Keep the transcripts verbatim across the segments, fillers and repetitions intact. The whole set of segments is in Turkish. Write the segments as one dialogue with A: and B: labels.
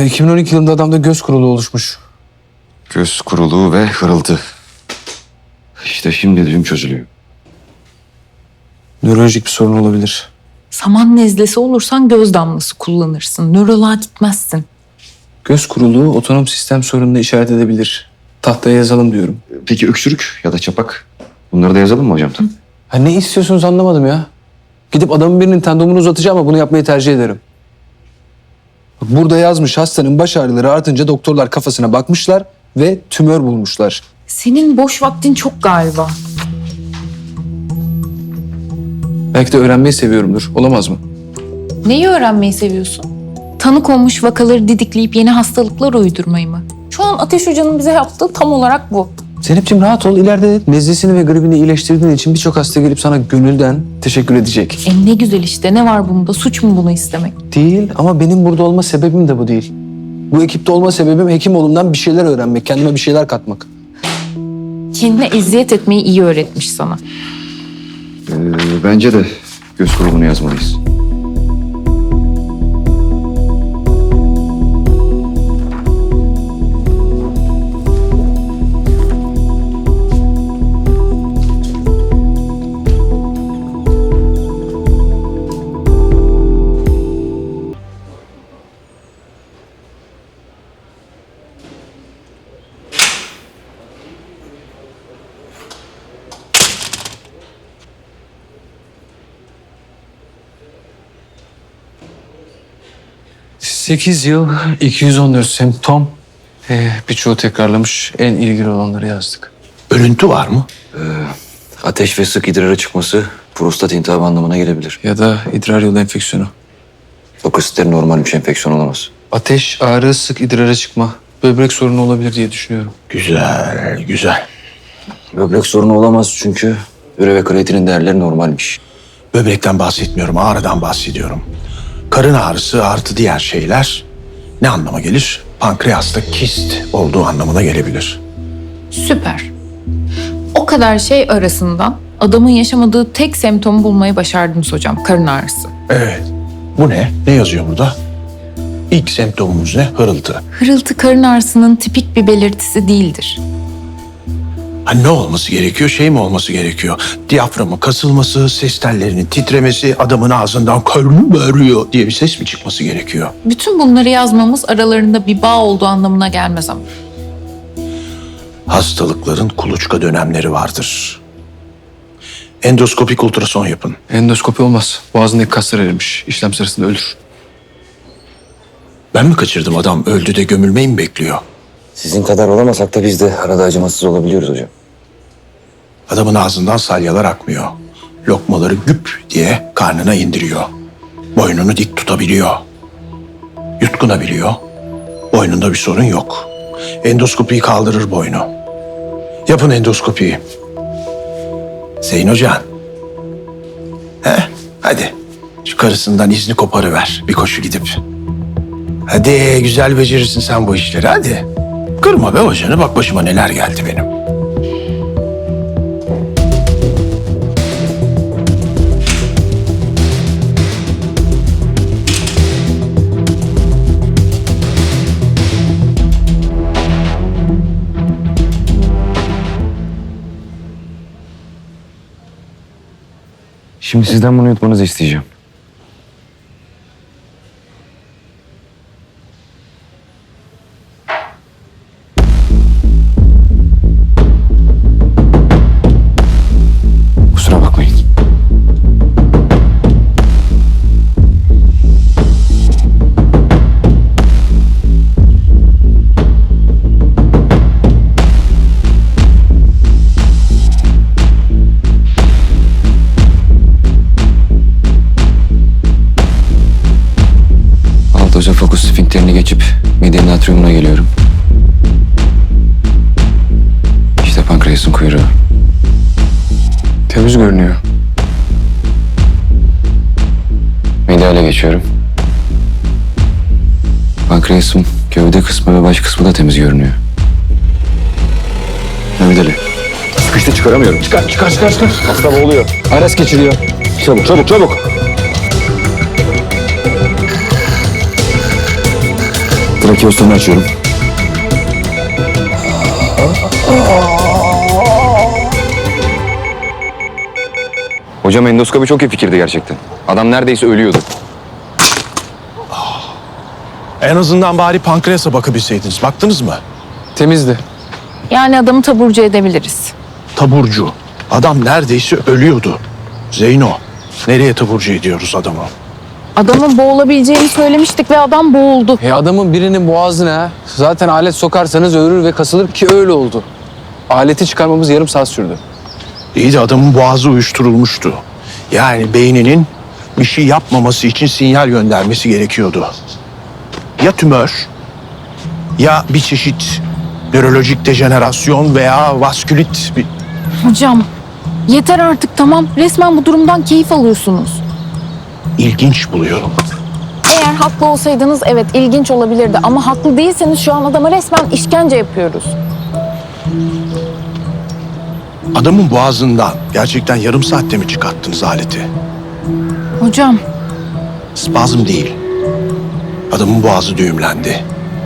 A: iki bin on iki yılında adamda göz kuruluğu oluşmuş.
B: Göz kuruluğu ve hırıltı. İşte şimdi düğüm çözülüyor.
A: Nörolojik bir sorun olabilir.
C: Saman nezlesi olursan göz damlası kullanırsın. Nöroloğa gitmezsin.
A: Göz kuruluğu otonom sistem sorununu işaret edebilir. Tahtaya yazalım diyorum.
B: Peki öksürük ya da çapak? Bunları da yazalım mı hocam?
A: Ha, ne istiyorsunuz anlamadım ya. Gidip adamın birinin tendonunu uzatacağım ama bunu yapmayı tercih ederim. Bak, burada yazmış hastanın baş ağrıları artınca doktorlar kafasına bakmışlar ve tümör bulmuşlar.
C: Senin boş vaktin çok galiba.
A: Belki de öğrenmeyi seviyorumdur. Olamaz mı?
C: Neyi öğrenmeyi seviyorsun? Tanı konmuş vakaları didikleyip yeni hastalıklar uydurmayı mı? Şu an Ateş Hoca'nın bize yaptığı tam olarak bu.
A: Zeynep'ciğim rahat ol. İleride nezlesini ve gribini iyileştirdiğin için birçok hasta gelip sana gönülden teşekkür edecek.
C: E ne güzel işte. Ne var bunda? Suç mu bunu istemek?
A: Değil ama benim burada olma sebebim de bu değil. Bu ekipte olma sebebim hekim olumdan bir şeyler öğrenmek, kendime bir şeyler katmak.
C: Kendine eziyet etmeyi iyi öğretmiş sana.
B: Ee, bence de göz kuruluğunu yazmalıyız.
A: sekiz yıl, iki yüz on dört semptom. Ee, birçoğu tekrarlamış. En ilgili olanları yazdık.
D: Örüntü var mı?
B: Ateş ve sık idrara çıkması prostat iltihabı anlamına gelebilir.
A: Ya da idrar yolu enfeksiyonu.
B: Fakositler normalmiş, enfeksiyon olamaz.
A: Ateş, ağrı, sık idrara çıkma. Böbrek sorunu olabilir diye düşünüyorum.
D: Güzel, güzel.
B: Böbrek sorunu olamaz çünkü üre ve kreatinin değerleri normalmiş.
D: Böbrekten bahsetmiyorum, ağrıdan bahsediyorum. Karın ağrısı artı diğer şeyler ne anlama gelir? Pankreasta kist olduğu anlamına gelebilir.
C: Süper. O kadar şey arasından adamın yaşamadığı tek semptomu bulmayı başardınız hocam. Karın ağrısı.
D: Evet. Bu ne? Ne yazıyor burada? İlk semptomumuz ne? Hırıltı.
C: Hırıltı karın ağrısının tipik bir belirtisi değildir.
D: Ha, ne olması gerekiyor? Şey mi olması gerekiyor? Diyaframın kasılması, ses tellerinin titremesi, adamın ağzından karnım ağrıyor diye bir ses mi çıkması gerekiyor?
C: Bütün bunları yazmamız aralarında bir bağ olduğu anlamına gelmez ama.
D: Hastalıkların kuluçka dönemleri vardır. Endoskopik ultrason yapın.
A: Endoskopi olmaz. Boğazındaki kaslar erimiş. İşlem sırasında ölür.
D: Ben mi kaçırdım, adam öldü de gömülmeyi mi bekliyor?
B: Sizin kadar olamasak da biz de arada acımasız olabiliyoruz hocam.
D: Adamın ağzından salyalar akmıyor. Lokmaları güp diye karnına indiriyor. Boynunu dik tutabiliyor. Yutkunabiliyor. Boynunda bir sorun yok. Endoskopiyi kaldırır boynu. Yapın endoskopiyi. Zeyn Hocam. He? Hadi. Şu karısından izni koparıver. Bir koşu gidip. Hadi güzel becerirsin sen bu işleri, hadi. Kırma be hocanı, bak başıma neler geldi benim.
B: Şimdi sizden bunu yutmanızı isteyeceğim. Kusura bakmayın. Hoca fokus sfinkterini geçip midenin atriumuna geliyorum. İşte pankreasın kuyruğu.
A: Temiz görünüyor.
B: Mideale geçiyorum. Pankreasın gövde kısmı ve baş kısmı da temiz görünüyor. Mehmet Ali. Sıkıştı, çıkaramıyorum. Çıkar, çıkar, çıkar, çıkar. Hasta boğuluyor.
A: Ares geçiriyor.
B: Çabuk, çabuk, çabuk. Trakeostomunu açıyorum. Hocam endoskopi çok iyi fikirdi gerçekten. Adam neredeyse ölüyordu.
D: En azından bari pankreasa bakabilseydiniz. Baktınız mı?
A: Temizdi.
C: Yani adamı taburcu edebiliriz.
D: Taburcu. Adam neredeyse ölüyordu. Zeyno, nereye taburcu ediyoruz adamı?
C: Adamın boğulabileceğini söylemiştik ve adam boğuldu.
A: E adamın birinin boğazına zaten alet sokarsanız ölür ve kasılır ki öyle oldu. Aleti çıkarmamız yarım saat sürdü.
D: İyi de adamın boğazı uyuşturulmuştu. Yani beyninin bir şey yapmaması için sinyal göndermesi gerekiyordu. Ya tümör, ya bir çeşit nörolojik dejenerasyon veya vaskülit bir...
C: Hocam yeter artık tamam. Resmen bu durumdan keyif alıyorsunuz.
D: ilginç buluyorum.
C: Eğer haklı olsaydınız evet ilginç olabilirdi. Ama haklı değilseniz şu an adama resmen işkence yapıyoruz.
D: Adamın boğazından gerçekten yarım saatte mi çıkarttınız aleti?
C: Hocam
D: Spazm değil. Adamın boğazı düğümlendi.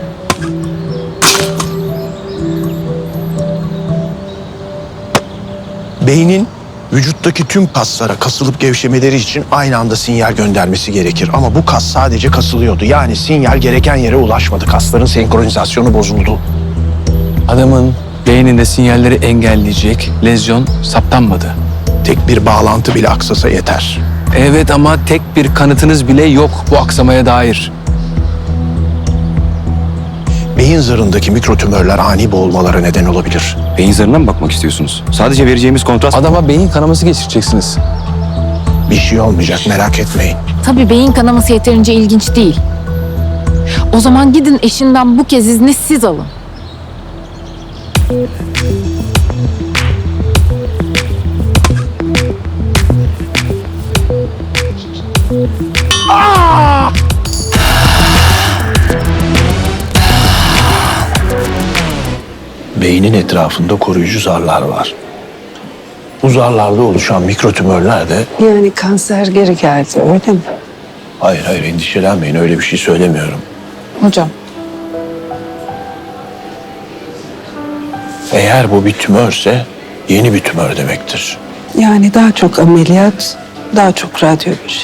D: Beynin vücuttaki tüm kaslara kasılıp gevşemeleri için aynı anda sinyal göndermesi gerekir. Ama bu kas sadece kasılıyordu. Yani sinyal gereken yere ulaşmadı. Kasların senkronizasyonu bozuldu.
A: Adamın beyninde sinyalleri engelleyecek lezyon saptanmadı.
D: Tek bir bağlantı bile aksasa yeter.
A: Evet ama tek bir kanıtınız bile yok bu aksamaya dair.
D: Beyin zarındaki mikrotümörler ani boğulmalara neden olabilir.
B: Beyin zarına mı bakmak istiyorsunuz? Sadece vereceğimiz kontrast...
A: Adama beyin kanaması geçireceksiniz.
D: Bir şey olmayacak, merak etmeyin.
C: tabii beyin kanaması yeterince ilginç değil. O zaman gidin eşinden bu kez izni siz alın.
D: Beynin etrafında koruyucu zarlar var. Bu zarlarda oluşan mikrotümörler de...
E: Yani kanser geri geldi öyle mi?
D: Hayır hayır endişelenmeyin, öyle bir şey söylemiyorum.
C: Hocam
D: Eğer bu bir tümörse yeni bir tümör demektir.
E: Yani daha çok ameliyat, daha çok radyoloji.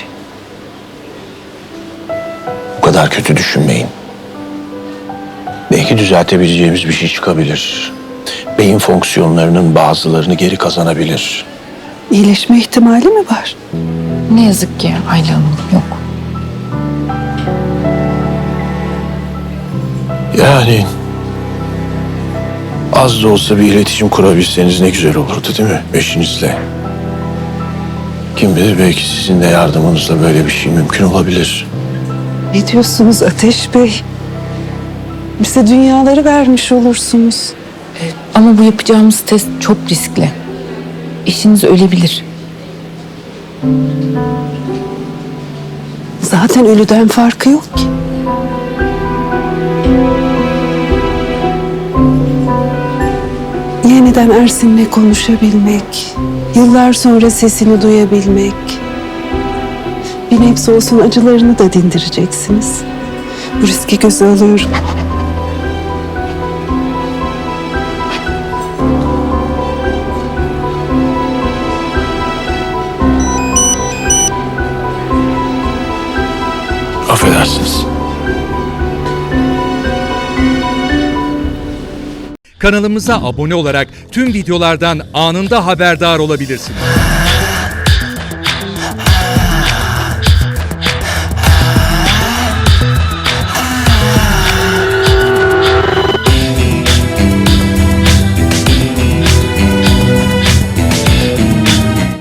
D: Bu kadar kötü düşünmeyin. Belki düzeltebileceğimiz bir şey çıkabilir. Beyin fonksiyonlarının bazılarını geri kazanabilir.
E: İyileşme ihtimali mi var?
C: ne yazık ki Ayla Hanım yok.
D: Yani az da olsa bir iletişim kurabilseniz ne güzel olurdu değil mi eşinizle? Kim bilir belki sizin de yardımınızla böyle bir şey mümkün olabilir.
E: Ne diyorsunuz Ateş Bey? Bize dünyaları vermiş olursunuz.
C: Ama bu yapacağımız test çok riskli. Eşiniz ölebilir.
E: Zaten ölüden farkı yok ki. Yeniden Ersin'le konuşabilmek, yıllar sonra sesini duyabilmek. Bir nebze olsun acılarını da dindireceksiniz. Bu riski göze alıyorum.
D: Affedersiniz.
F: Kanalımıza abone olarak tüm videolardan anında haberdar olabilirsiniz.